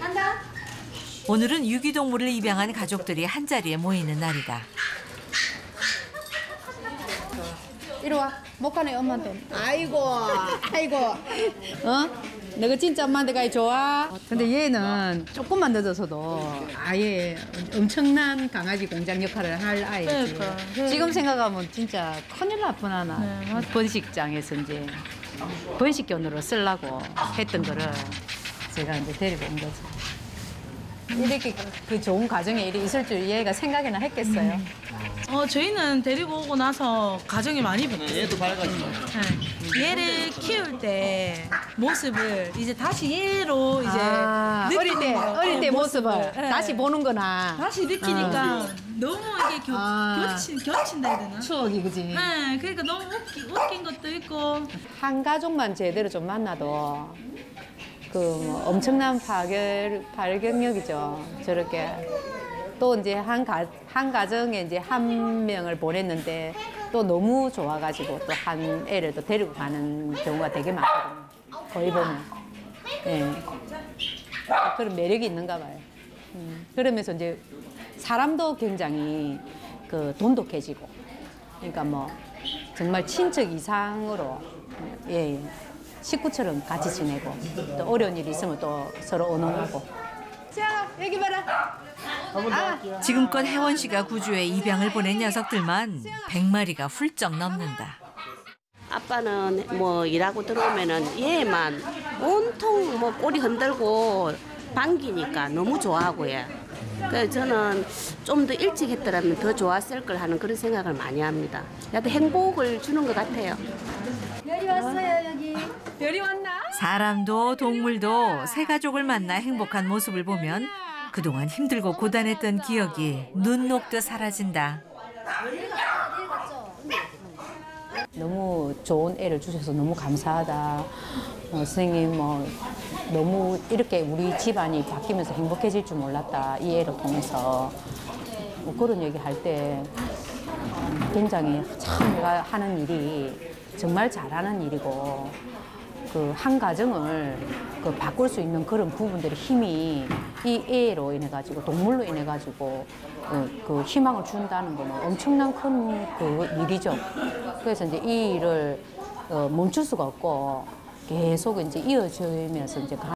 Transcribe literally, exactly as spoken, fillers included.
오늘은 유기동물을 입양한 가족들이 한자리에 모이는 날이다. 이리 와. 못 가네, 엄마한테. 아이고, 아이고. 어? 내가 진짜 엄마한테 가기 좋아. 근데 얘는 조금만 늦어서도 아예 엄청난 강아지 공장 역할을 할 아이지. 그러니까. 지금 생각하면 진짜 큰일 날 뻔하나. 네, 번식장에서 이제 번식견으로 쓰려고 했던 거를 제가 이제 데리고 온 거죠. 이렇게 그 좋은 가정에 일이 있을 줄 얘가 생각이나 했겠어요. 음. 어 저희는 데리고 오고 나서 가정이 많이 바뀌었어요. 얘도 밝아지고. 네. 얘를 키울 때 모습을 이제 다시 얘로 이제 아, 어릴 때 거. 어릴 때 네, 모습을 네. 다시 보는구나. 다시 느끼니까 아. 너무 이게 겨, 아. 겹친 겹친다 해야 되나? 추억이 그지. 네, 그러니까 너무 웃기, 웃긴 것도 있고. 한 가족만 제대로 좀 만나도 그뭐 엄청난 파괴 발견력이죠. 저렇게 또 이제 한 가 한 가정에 이제 한 명을 보냈는데 또 너무 좋아가지고 또 한 애를 또 데리고 가는 경우가 되게 많거든요. 거의 보면. 예. 그런 매력이 있는가 봐요. 음. 그러면서 이제 사람도 굉장히 그 돈독해지고, 그러니까 뭐 정말 친척 이상으로 예. 예. 식구처럼 같이 지내고 또 어려운 일이 있으면 또 서로 의논하고. 자, 여기 봐라. 아. 지금껏 혜원 씨가 구주에 입양을 보낸 녀석들만 백 마리가 훌쩍 넘는다. 아빠는 뭐 일하고 들어오면은 얘만 온통 뭐 꼬리 흔들고 반기니까 너무 좋아하고요. 그래서 저는 좀 더 일찍 했더라면 더 좋았을 걸 하는 그런 생각을 많이 합니다. 나도 행복을 주는 것 같아요. 별이 왔어요, 여기. 별이 왔나? 사람도 동물도 새 가족을 만나 행복한 모습을 보면 그동안 힘들고 고단했던 기억이 눈 녹듯 사라진다. 너무 좋은 애를 주셔서 너무 감사하다. 어, 선생님 뭐 너무 이렇게 우리 집안이 바뀌면서 행복해질 줄 몰랐다. 이 애를 통해서. 뭐 그런 얘기 할 때 굉장히 참 내가 하는 일이 정말 잘하는 일이고 그 한 가정을 그 바꿀 수 있는 그런 부분들의 힘이 이 애로 인해 가지고 동물로 인해 가지고 그, 그 희망을 준다는 거는 엄청난 큰 그 일이죠. 그래서 이제 이 일을 어, 멈출 수가 없고 계속 이제 이어지면서 이제.